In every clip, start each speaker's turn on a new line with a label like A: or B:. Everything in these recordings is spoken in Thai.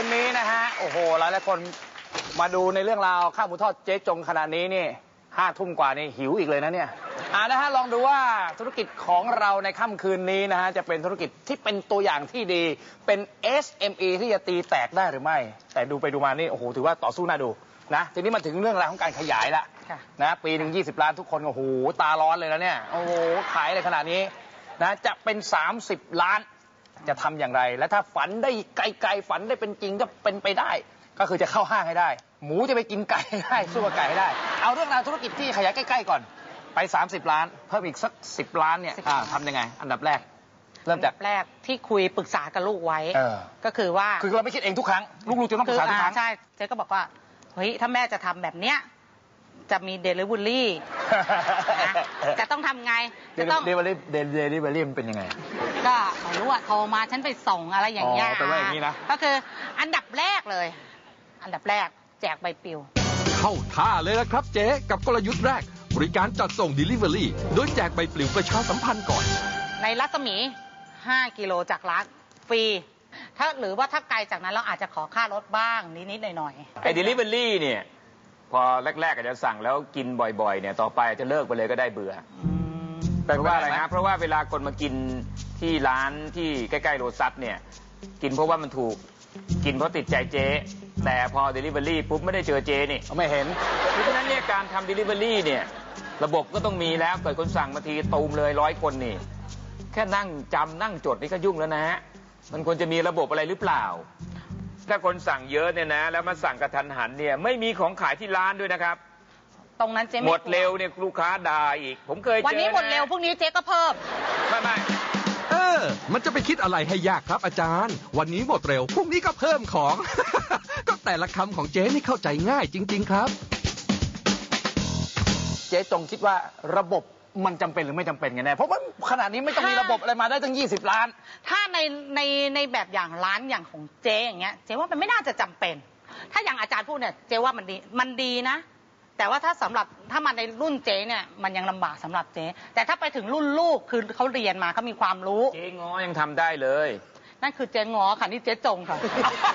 A: นนี้นะฮะโอ้โหหลายคนมาดูในเรื่องราวข้าวหมูทอดเจ๊จงขนาดนี้นี่5 ทุ่มกว่านี่หิวอีกเลยนะเนี่ยนะฮะลองดูว่าธุรกิจของเราในค่ำคืนนี้นะฮะจะเป็นธุรกิจที่เป็นตัวอย่างที่ดีเป็น SME ที่จะตีแตกได้หรือไม่แต่ดูไปดูมานี่โอ้โหถือว่าต่อสู้น่าดูนะทีนี้มาถึงเรื่องราวของการขยายละนะปีหนึ่ง20 ล้านทุกคนโอ้โหตาร้อนเลยนะเนี่ยโอ้โหขายเลยขนาดนี้นะจะเป็น30 ล้านจะทำอย่างไรและถ้าฝันได้ไกลๆฝันได้เป็นจริงก็เป็นไปได้ก็คือจะเข้าห้างให้ได้หมูจะไปกินไก่ได้สู้กับไก่ให้ได้เอาเรื่องราวธุรกิจที่ขยายใกล้ๆก่อนไป30 ล้านเพิ่มอีกสัก10 ล้านเนี่ยทำยังไงอันดับแรกเริ่มจาก
B: แรกที่คุยปรึกษากับลูกไว้ก็คือว่า
A: เราไม่คิดเองทุกครั้งลูกๆจะต้องปรึกษาทุกครั้ง
B: ใช่เจ๊ก็บอกว่าเฮ้ยถ้าแม่จะทำแบบเนี้ยจะมีเดลิเวอรี่จะต้องทำไงจะต้อง
A: เดลิเวอรี่มันเป็นยังไง
B: ก็ไม่รู้อะโทรมาฉันไปส่งอะไรอย่างเงี้ย
A: แต่ว่าอย่างนี้นะ
B: ก็คืออันดับแรกเลยอันดับแรกแจกใบปลิว
C: เข้าท่าเลยละครับเจ๊กับกลยุทธ์แรกบริการจัดส่ง Delivery โดยแจกใบปลิวประชาสัมพันธ์ก่อน
B: ในรัศมี5 กิโลจากร้านฟรีหรือว่าถ้าไกลจากนั้นเราอาจจะขอค่ารถบ้างนิดๆหน่อยๆ
D: ไอ้ Delivery เนี่ยพอแรกๆอาจจะสั่งแล้วกินบ่อยๆเนี่ยต่อไปจะเลิกไปเลยก็ได้เบื่อเพราะว่าอะไรนะเพราะว่าเวลาคนมากินที่ร้านที่ใกล้ๆโรซัสเนี่ยกินเพราะว่ามันถูกกินเพราะติดใจเจ๊แต่พอ Delivery ปุ๊บไม่ได้เจอเจ๊นี่
A: ไม่เห็น
D: เพราะฉะนั้นเนี่ยการทำ Delivery เนี่ยระบบก็ต้องมีแล้วเกิดคนสั่งมาทีตูมเลย100 คนนี่แค่นั่งจำนั่งจดนี่ก็ยุ่งแล้วนะฮะมันควรจะมีระบบอะไรหรือเปล่าถ้าคนสั่งเยอะเนี่ยนะแล้วมาสั่งกระทันหันเนี่ยไม่มีของขายที่ร้านด้วยนะครับ
B: ตรงนั้นเจ๊
D: หมดเร็วเนี่ยลูกค้าด่าอีกผมเคยเจอ
B: วันนี้หมดเร็วพรุ่งนี้เจ๊ก็เพิ่ม
D: ไม่
C: มันจะไปคิดอะไรให้ยากครับอาจารย์วันนี้หมดเร็วพรุ่งนี้ก็เพิ่มของ ก็แต่ละคำของเจ๊นี่เข้าใจง่ายจริงๆครับ
A: เจ๊จงคิดว่าระบบมันจำเป็นหรือไม่จำเป็นกันแน่เพราะว่าขนาดนี้ไม่ต้องมีระบบอะไรมาได้ตั้ง20 ล้าน
B: ถ้าในแบบอย่างร้านอย่างของเจ๊อย่างเงี้ยเจ๊ว่ามันไม่น่าจะจำเป็นถ้าอย่างอาจารย์พูดเนี่ยเจ๊ว่ามันดีนะแต่ว่าถ้ามาในรุ่นเจ๊เนี่ยมันยังลำบากสำหรับเจ๊แต่ถ้าไปถึงรุ่นลูกคือเขาเรียนมาเขามีความรู้
D: เจ๊ง้อยังทำได้เลย
B: นั่นคือเจ๊ง้อค่ะนี่เจ๊จงค่ะ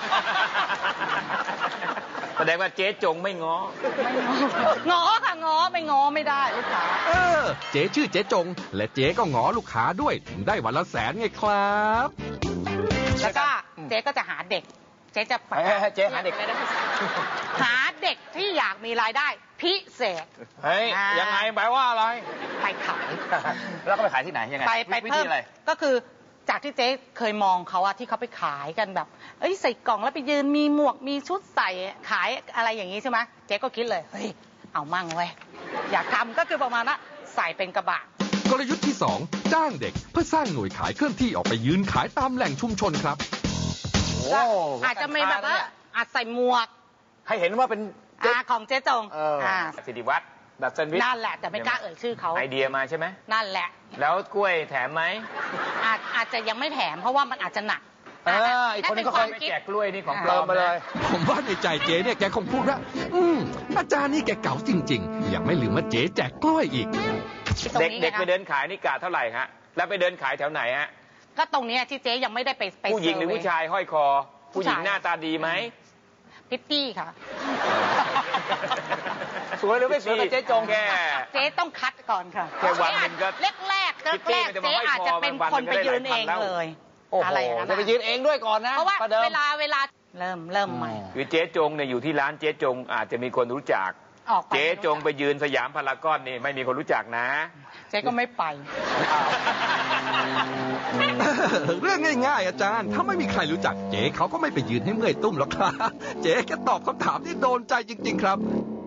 D: แสดงว่าเจ๊จงไม่ง้อ
B: ง้อค่ะง้อไม่ง้อไม่ได้ลูกค้า
C: เจ๊ชื่อเจ๊จงและเจ๊ก็ง้อลูกค้าด้วยได้วันละ100,000ไงครับ
B: แล้วก็เจ๊ก็จะหาเด็กเจ๊จะ
A: เจ๊หาเด็ก
B: หาเด็กที่อยากมีรายได้พิเศษ
A: เฮ้ยยังไงแปลว่าอะไร
B: ไปขาย
A: แล้วก็ไปขายที่ไหนยังไง
B: ไปเพิ่มก็คือจากที่เจ๊เคยมองเขาอะที่เขาไปขายกันแบบใส่กล่องแล้วไปยืนมีหมวกมีชุดใส่ขายอะไรอย่างนี้ใช่ไหมเจ๊ก็คิดเลยเฮ้ยเอามั่งเว้ยอยากทำก็คือประมาณว่าใส่เป็นกระบะ
C: กลยุทธ์ที่2จ้างเด็กเพื่อสร้างหน่วยขายเคลื่อนที่ออกไปยืนขายตามแหล่งชุมชนครับ
B: อาจจะมีแบบว่าอาจใส่หมวก
A: ให้เห็นว่าเป็น
B: ของเจ๊จง
D: สิริวัฒน์ดัชชันวิทย์
B: นั่นแหละแต่ไม่กล้าเอ่ยชื่อเขา
D: ไอเดียมาใช่ไหม
B: นั่นแหละ
D: แล้วกล้วยแถมไหม
B: อาจจะยังไม่แถมเพราะว่ามันอาจจะหนัก
A: อีกคนนึงก็เคย
D: แจกกล้วยนี่ของปลอม
A: มาเลย
C: ผมว่าในใจเจ๊เนี่ยแกคงพูดว่าอาจารย์นี่แกเก๋าจริงๆยังไม่ลืมว่าเจ๊แจกกล้วยอีก
D: เด็กไปเดินขายนี่กะเท่าไหร่ฮะแล้วไปเดินขายแถวไหนฮะ
B: ก็ตรงนี้ที่เจ๊ยังไม่ได้ไป
D: ผู้หญิงหรือผู้ชายห้อยคอผู้หญิงหน้าตาดีไหม
B: พิตตี้ค่ะ
A: สวยหรือไม่สวยเจ๊จง
D: แค่
B: เจ๊ต้องคัดก่อนค่ะ
D: แค่วันนึงก็
B: แรกเจ๊อาจจะเป็นคนไปยืนเองเลย
A: อะไรนะจะไปยืนเองด้วยก่อนนะ
B: เพราะว่าเวลาเริ่มใหม่
D: คือเจ๊จงเนี่ยอยู่ที่ร้านเจ๊จงอาจจะมีคนรู้จักเจ๊จงไปยืนสยามพารากอนนี่ไม่มีคนรู้จักนะ
B: เจ๊ก็ไม่ไป
C: เรื่องง่ายๆอาจารย์ถ้าไม่มีใครรู้จักเจ๊เขาก็ไม่ไปยืนให้เมื่อยตุ้มหรอกครับเจ๊แค่ตอบคำถามที่โดนใจจริงๆครับ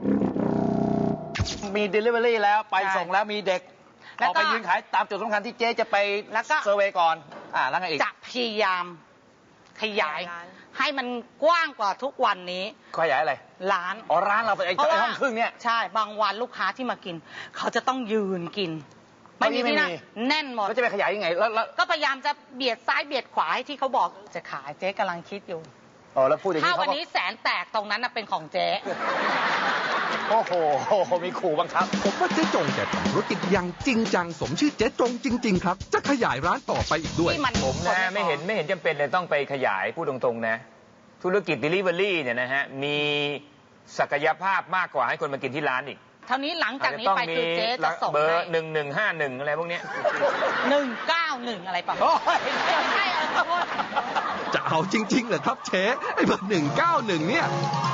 A: มี Delivery แล้วไปส่งแล้วมีเด็กออกไปยืนขายตามจุดสำคัญที่เจ๊จะไปเซอร์เวย์ก่อนแล้วไงอีก
B: จะพยายามขยายให้มันกว้างกว่าทุกวันนี้
A: ขยายอะไร
B: ร้าน
A: ร้านเราเป็นไอ้ห้องครึ่งเนี่ย
B: ใช่บางวันลูกค้าที่มากินเขาจะต้องยืนกินไม่มีที่นั่งแน่นหมด
A: แล้วจะไปขยายยังไงแล้ว
B: ก็พยายามจะเบียดซ้ายเบียดขวาให้ที่เขาบอกจะขายเจ๊กำลังคิดอยู่
A: แล้วพูดอย่างนี้
B: ถ้าวันนี้แสนแตกตรงนั้นเป็นของเจ๊
A: โอ้โหมีขู่บังคับ
C: ผมว่าเจ๊จงแกทำธุรกิจอย่างจริงจังสมชื่อเจ๊จงจริงๆครับจะขยายร้านต่อไปอีกด้วย
D: ผมนะไม่เห็นจำเป็นเลยต้องไปขยายพูดตรงๆนะธุรกิจ Delivery เนี่ยนะฮะมีศักยภาพมากกว่าให้คนมากินที่ร้านอีก
B: เท่านี้หลังจากนี้ไปคือเจ๊จะส่ง
D: เบอ
B: ให้
D: ร์1151อะไรพวกเนี้ย
B: 191อะไรประมาณใช่ขอโทษ
C: จะเอาจริงๆเหรอครับเจ๊ไอ้เบอร์191เนี่ย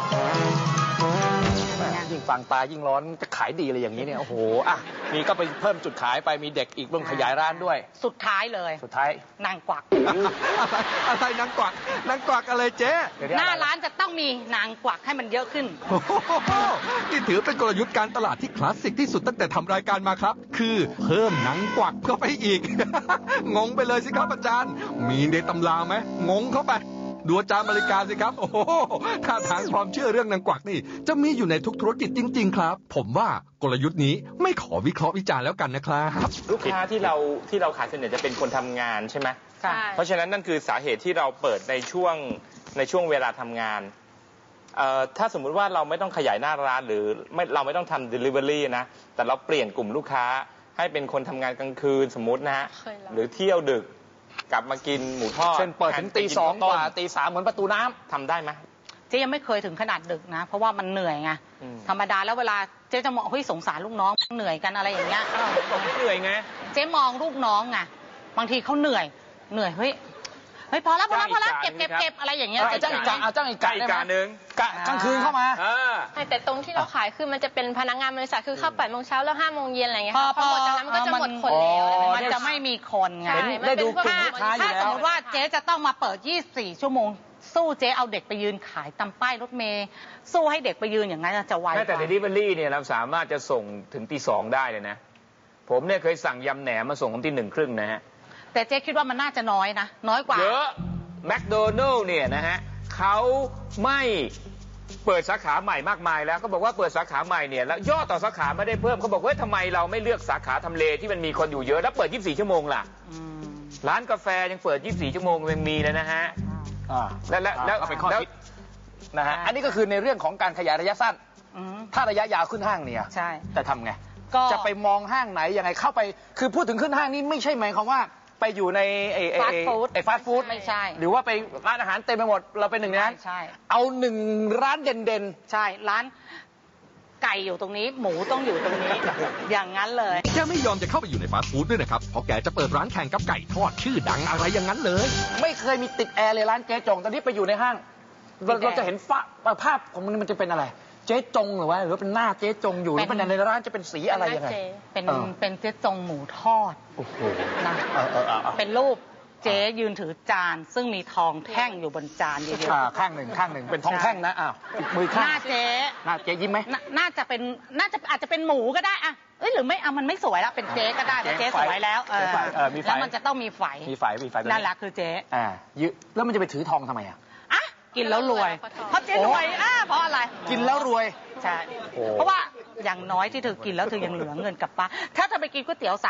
A: ยิ่งฟังตายิ่งร้อนจะขายดีเลยอย่างนี้เนี่ยโอ้โหอ่ะมีก็ไปเพิ่มจุดขายไปมีเด็กอีกเรื่องขยายร้านด้วย
B: สุดท้ายเลย
A: สุดท้าย
B: นางกวัก
C: อะไรนางกวักนางกวักอะไรเจ๊
A: เดี๋ยว
B: หน้าร้านจะต้องมีนางกวักให้มันเยอะขึ้น
C: โอ้โหนี่ถือเป็นกลยุทธ์การตลาดที่คลาสสิกที่สุดตั้งแต่ทำรายการมาครับ คือเพิ่มนางกวักเข้าไปอีก งงไปเลยสิครับอาจารย์ มีในตำราไหมงงเข้าไปดูอาจารย์บริการสิครับโอ้โหท่าทางความเชื่อเรื่องนางกวักนี่จะมีอยู่ในทุกธุรกิจจริง ๆ ครับ ผมว่ากลยุทธ์นี้ไม่ขอวิเคราะห์วิจารณ์แล้วกันนะครับ
E: ลูกค้าที่เราขายส่วนใหญ่จะเป็นคนทำงานใช่ไหม
B: ใช่
E: เพราะฉะนั้นนั่นคือสาเหตุที่เราเปิดในช่วงเวลาทำงานถ้าสมมุติว่าเราไม่ต้องขยายหน้าร้านหรือเราไม่ต้องทำ Delivery นะแต่เราเปลี่ยนกลุ่มลูกค้าให้เป็นคนทำงานกลางคืนสมมุตินะฮะหรือเที่ยวดึกกลับมากินหมูทอด
A: เช่นเปิดถึงตี 2 กว่าตี 3เหมือนประตูน้ำ
E: ทำได้ไหม
B: เจ๊ยังไม่เคยถึงขนาดดึกนะ เพราะว่ามันเหนื่อยไง
E: อืม
B: ธรรมดาแล้วเวลาเจ๊จะมองเฮ้ยสงสารลูกน้องเหนื่อยกันอะไรอย่างเงี้ย
E: ผมเหนื่อยไง
B: เจ๊มองลูกน้องไงบางทีเขาเหนื่อยเฮ้ยพอแล้วเก็บอะไรอย่างเงี้ย
A: จ้างอีกกะเอาจ้างอีกกะได้
E: อีก
A: ไหม
E: กะหนึ่ง
A: กะกลางคืนเข้ามา
F: แต่ตรงที่เราขายคือมันจะเป็นพนักงานบริษัทคือเข้า8 โมงเช้าแล้ว5 โมงเย็นอะไรเงี้ยค่ะพอหมดจากนั้นมันก็จะหมดคนแล้วอะไรแบบ
B: มัน
F: นี้
B: จะไม่มีคนไง
F: ใช่
A: ได้ดูกลุ่มลูกค้าอยู่
B: ถ้า
A: แล้
B: สม
A: ว
B: มติว่าเจ๊จะต้องมาเปิด 24 ชั่วโมง สู้เจ๊เอาเด็กไปยืนขายตามป้ายรถเมล์สู้ให้เด็กไปยืนอย่างนั้นจะไวก
D: แม้แต่
B: ว่า
D: Delivery เนี่ยเราสามารถจะส่งถึงตี 2ได้เลยนะ ผมเนี่ยเคยสั่งยำแหนมมาส่งตี 1:30นะฮะ
B: แต่เจ๊คิดว่ามันน่าจะน้อยนะ น้อยกว่า
D: เยอะแมคโดนัลล์เนี่ยนะฮะเขาไม่เปิดสาขาใหม่มากมายแล้วเขาบอกว่าเปิดสาขาใหม่เนี่ยแล้วยอดต่อสาขาไม่ได้เพิ่มเขาบอกว่าทำไมเราไม่เลือกสาขาทำเลที่มันมีคนอยู่เยอะแล้วเปิด 24 ชั่วโมงล่ะ ร้านกาแฟยังเปิด 24 ชั่วโมงยังมีเลยนะฮะ แล้ว
A: เอาเป็นข้อ
D: แล้ว
A: คิดนะฮะอันนี้ก็คือในเรื่องของการขยายระยะสั้น
B: อืม
A: ถ้าระยะยาวขึ้นห้างเนี่ย
B: ใช่
A: จะทำไง
B: ก็
A: จะไปมองห้างไหนยังไงเข้าไป คือพูดถึงขึ้นห้างนี่ไม่ใช่หมายความว่าไปอยู่ใน
B: ฟาสต์ฟู้ด
A: ฟาสต์ฟู้ด
B: ไม่ใช่
A: หรือว่าไปร้านอาหารเต็มไปหมดเราเป็นหนึ่งในนั้น
B: ใช่
A: เอาหนึ่งร้านเด่น
B: ใช่ร้านไก่อยู่ตรงนี้ หมูต้องอยู่ตรงนี้ อย่างนั้นเลย
C: แกไม่ยอมจะเข้าไปอยู่ในฟาสต์ฟู้ดด้วยนะครับ เพราะแกจะเปิดร้านแข่งกับไก่ทอดชื่อดังอะไรอย่างนั้นเลย
A: ๆ ไม่เคยมีติดแอร์เลยร้านเจ๊จงตอนนี้ไปอยู่ในห้าง เราจะเห็นภาพของมันจะเป็นอะไร เจ๊จงหรือว่าเป็นหน้าเจ๊จงอยู่หรือเป็นในร้านจะเป็นสีอะไรยังไง
B: เป็น
A: เออ
B: เป็นเจ๊จงหมูทอด
A: โอ้โห
B: นะ เป็นรูปเจ๊ยืนถือจาน ซึ่งมีทองแท่งอยู่บนจานเยอะ
A: ข้างหนึ่งเป็นทองแท่งนะอ้าวอีกมือ
B: ๆ ห
A: ข้าง
B: น้าเจ๊
A: หน้าเจ๊ยิ้มไหม
B: น่าจะอาจจะเป็นหมูก็ได้อะเอ้ยหรือไม่เอามันไม่สวยแล้วเป็นเจ๊ก็ได้เพราะเจ๊สวยแล้ว
A: เจ๊ไฝมีไฝ
B: แล้วมันจะต้องมีไฝ
A: มีไฟแบบ
B: นั่นแหละคือเจ๊
A: แล้วมันจะไปถือทองทำไมอ่ะ
B: อ่ะกินแล้วรวย เพราะเจ๊รวยเพราะอะไร
A: กินแล้วรวย
B: ใช่
A: โอ้
B: เพราะว่าอย่างน้อยที่เธอกินแล้วเธอยังเหลือเงินกลับบ้านถ้าเธอไปกินก๋วยเตี๋ยว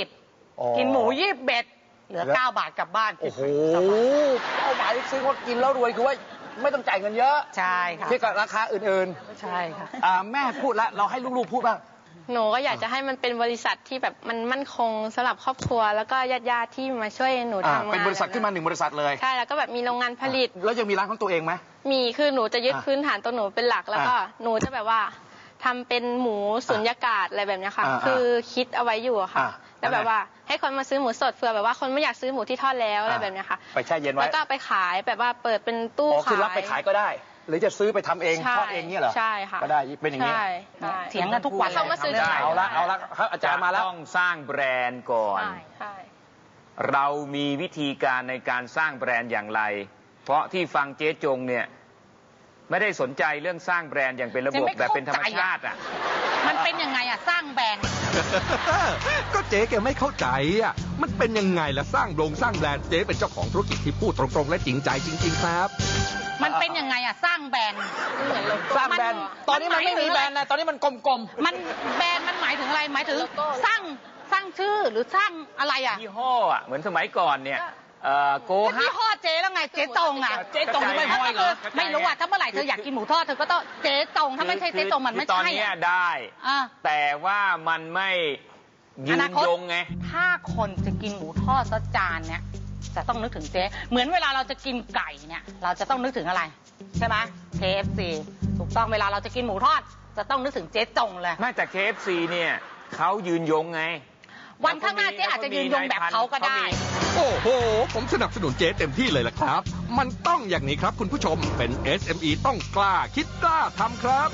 B: 30กินหมู21เหลือ9 บาทกลับบ้าน
A: โอ้โหเป้าหมายซื้อว่ากินแล้วรวยคือว่าไม่ต้องจ่ายเงินเยอะ
B: ใช่ค่ะ
A: เทียบกับราคาอื่น
B: ใช่ค่ะ
A: ๆแม่พูดแล้วเราให้ลูกๆพูดบ้าง
F: หนูก็อยากจะให้มันเป็นบริษัทที่แบบมันมั่นคงสำหรับครอบครัว แล้วก็ญาติๆที่มาช่วยหนูทำงาน
A: เป็นบริษัทขึ้นมา1 บริษัทเลย
F: ใช่แล้วก็แบบมีโรงงานผลิต
A: แล้วยังมีร้านของตัวเองไหม
F: มีคือหนูจะยึด
A: อ่ะ
F: พื้นฐานตัวหนูเป็นหลักแล้วก็หนูจะแบบว่าทำเป็นหมูสุญญากาศอะไรแบบเนี้ยค่ะ คือคิดเอาไว้อยู่อะค่ะ แล้วแบบว่าให้คนมาซื้อหมูสดเผื่อแบบว่าคนไม่อยากซื้อหมูที่ทอดแล้วอะไรแบบเนี้ยค่ะ
A: ไปแช่เย็นไว้
F: แล้วก็ไปขายแบบว่าเปิดเป็นตู้
A: อ๋อ
F: ขาย
A: คือรับไปขายก็ได้ หรือจะซื้อไปทำเอง
F: ใช่
A: ทอดเองเนี่ยเหรอ
F: ใช่ค่ะ
A: ก็ได้เป็นอย่างนี้
F: ใช่ใช่
B: เถียงกันทุกวัน
F: เข้ามาซื้อ
B: ได้
F: ขาย
A: เอาละครับอาจารย์มาแล้ว
D: ต้องสร้างแบรนด์ก่อน
F: ใช่ใช่
D: เรามีวิธีการในการสร้างแบรนด์อย่างไร เพราะที่ฟังเจ๊จงเนี่ยไม่ได้สนใจเรื่องสร้างแบรนด์อย่างเป็นระบบแบบเป็นธรรมชาติอ่ะ
B: มันเป็นยังไงอะสร้างแบรนด์
C: ก็เจ๊แกไม่เข้าใจอ่ะ มันเป็นยังไงล่ะสร้างแบรนด์เจ๊เป็นเจ้าของธุรกิจที่พูดตรงๆและจริงใจจริง ๆ ครับ
B: มันเป็นยังไงอะสร้างแบรนด์
A: สร้างแบรนด์ ตอนนี้มันไม่มีแบรนด์นะตอนนี้มันกลม
B: มันแบรนด์มันหมายถึงอะไรหมายถึงสร้างชื่อหรือสร้างอะไรอะ
D: ยี่ห้ออ่ะเหมือนสมัยก่อนเนี่ยโก
B: เป็น
D: ฮั
B: ยี่
D: บ
B: ห้อเจ๊แล้วไงเจ๊จงอะ
A: ๆเจ๊จงนี่ไม่พออีกเหรอ
B: ไม่รู้อะถ้าเมื่อไหร่เธออยากกินหมูทอดเธอก็ต้องเจ๊จงถ้าไม่ใช่เจ๊จงมันไม่
D: ตอน
B: ใช่
D: เนี้ย
B: อะ
D: ได้
B: อ่ะ
D: แต่ว่ามันไม่ยื
B: อน นาคต
D: ยงไง
B: ถ้าคนจะกินหมูทอดสักจานเนี่ยจะต้องนึกถึงเจ๊เหมือนเวลาเราจะกินไก่เนี่ยเราจะต้องนึกถึงอะไรใช่ไหม KFC ถูกต้องเวลาเราจะกินหมูทอดจะต้องนึกถึงเจ๊จงเลย
D: ไม่แต่ KFC เนี่ยเขายืนยงไง
B: วันข้างหน้าเจ๊อาจจะยืนยงแบบเขาก็ได้
C: โอ้โห ผมสนับสนุนเจ๊เต็มที่เลยล่ะครับ มันต้องอย่างนี้ครับคุณผู้ชม เป็น SME ต้องกล้าคิดกล้าทำครับ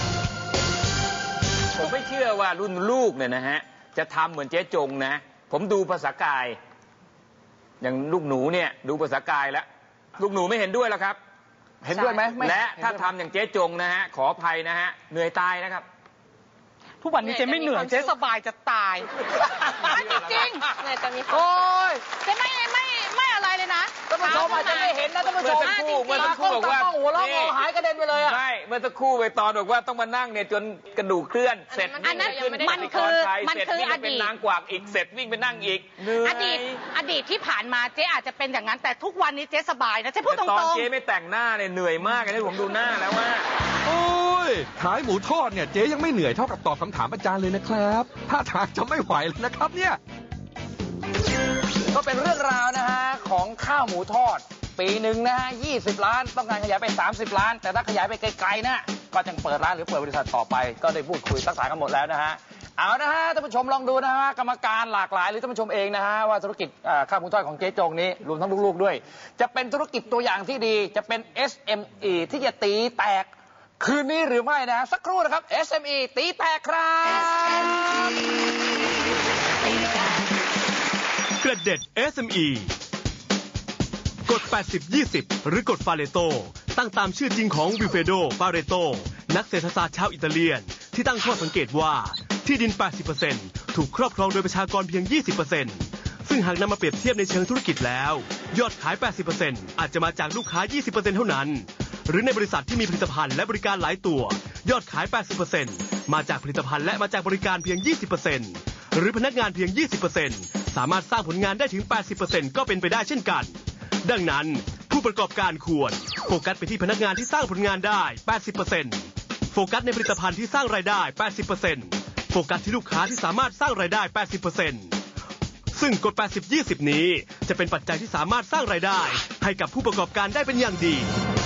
D: ผมไม่เชื่อว่ารุ่นลูกเนี่ยนะฮะจะทำเหมือนเจ๊จงนะ ผมดูภาษากาย อย่างลูกหนูเนี่ยดูภาษากายแล้ว ลูกหนูไม่เห็นด้วยแล้วครับ
A: เห็นด้วยไหมไม่
D: และถ้าทำอย่างเจ๊จงนะฮะขออภัยนะฮะเหนื่อยตายนะครับ
B: ทุกวันนี้เจ๊ไม่เหนื่อยเจ๊สบายจะตายจริง
F: เลยจะมีความ
A: โอ้ย
B: ๆเจ๊ไม่อะไรเลยนะ
A: ท่านผู้ชมอาจจะไม่เห็นนะท่านผู้ชม
D: เมื่อสักครู่บอกว่า
A: ตากล้องหัวเราะงอหายกระเด็นไปเลยอะ
D: ไม่เมื่อสักครู่ไปตอนบอกว่าต้องมานั่งเนี่ยจนกระดูกเคลื่อนเสร็จ
B: อันนั้น
D: วิ่งขึ้
B: มันคือ
D: ไทย
B: มัน
D: เสร็จ
B: คือ
D: วิ่ง
B: อ
D: ไปเป็น
B: ดีต
D: นางกวักอีกเสร็จวิ่งไปนั่งอีกเหนื่อย
B: อดีตที่ผ่านมาเจ๊อาจจะเป็นอย่างนั้นแต่ทุกวันนี้เจ๊สบายนะเจ๊พูดต
D: แต่ตอน
B: รง
D: เจ๊ไม่แต่งหน้าเนี่ยเหนื่อยมากเลยนะผมดูหน้าแล้วว่า
C: โอ้ย ขายหมูทอดเนี่ยเจ๊ยังไม่เหนื่อยเท่ากับตอบคำถามอาจารย์เลยนะครับถ้าทางจะไม่ไหวเลยนะครับเนี่ย
A: ก็เป็นเรื่องราวนะฮะของข้าวหมูทอด ปีหนึ่งนะฮะ20 ล้านต้องการขยายไป30 ล้าน แต่ถ้าขยายไปไกลๆนะก็จะเปิดร้านหรือเปิดบริษัทต่อไป ก็ได้พูดคุยทักษะกันหมดแล้วนะฮะเอานะฮะท่านผู้ชมลองดูนะฮะกรรมการหลากหลายหรือท่านผู้ชมเองนะฮะว่าธุรกิจข้าวหมูทอดของเจ๊จงนี้รวมทั้งลูกๆด้วย จะเป็นธุรกิจตัวอย่างที่ดีจะเป็น SME ที่จะตีแตกคืนนี้หรือไม่นะฮะสักครู่นะครับ SME ตีแตกครับ
G: กระเด็ด SME กฎ 80-20 หรือกฎฟาเรโตตั้งตามชื่อจริงของวิลเฟโด ฟาเรโต นักเศรษฐศาสตร์ชาวอิตาเลียน ที่ตั้งข้อสังเกตว่าที่ดิน 80% ถูกครอบครองโดยประชากรเพียง 20%ซึ่งหากนำมาเปรียบเทียบในเชิงธุรกิจแล้ว ยอดขาย 80% อาจจะมาจากลูกค้า 20% เท่านั้น หรือในบริษัทที่มีผลิตภัณฑ์และบริการหลายตัว ยอดขาย 80% มาจากผลิตภัณฑ์และมาจากบริการเพียง 20%หรือพนักงานเพียง 20%สามารถสร้างผลงานได้ถึง 80% ก็เป็นไปได้เช่นกัน ดังนั้นผู้ประกอบการควรโฟกัสไปที่พนักงานที่สร้างผลงานได้ 80% โฟกัสในผลิตภัณฑ์ที่สร้างรายได้ 80% โฟกัสที่ลูกค้าที่สามารถสร้างรายได้ 80%ซึ่งกฎ 80-20 นี้จะเป็นปัจจัยที่สามารถสร้างรายได้ให้กับผู้ประกอบการได้เป็นอย่างดี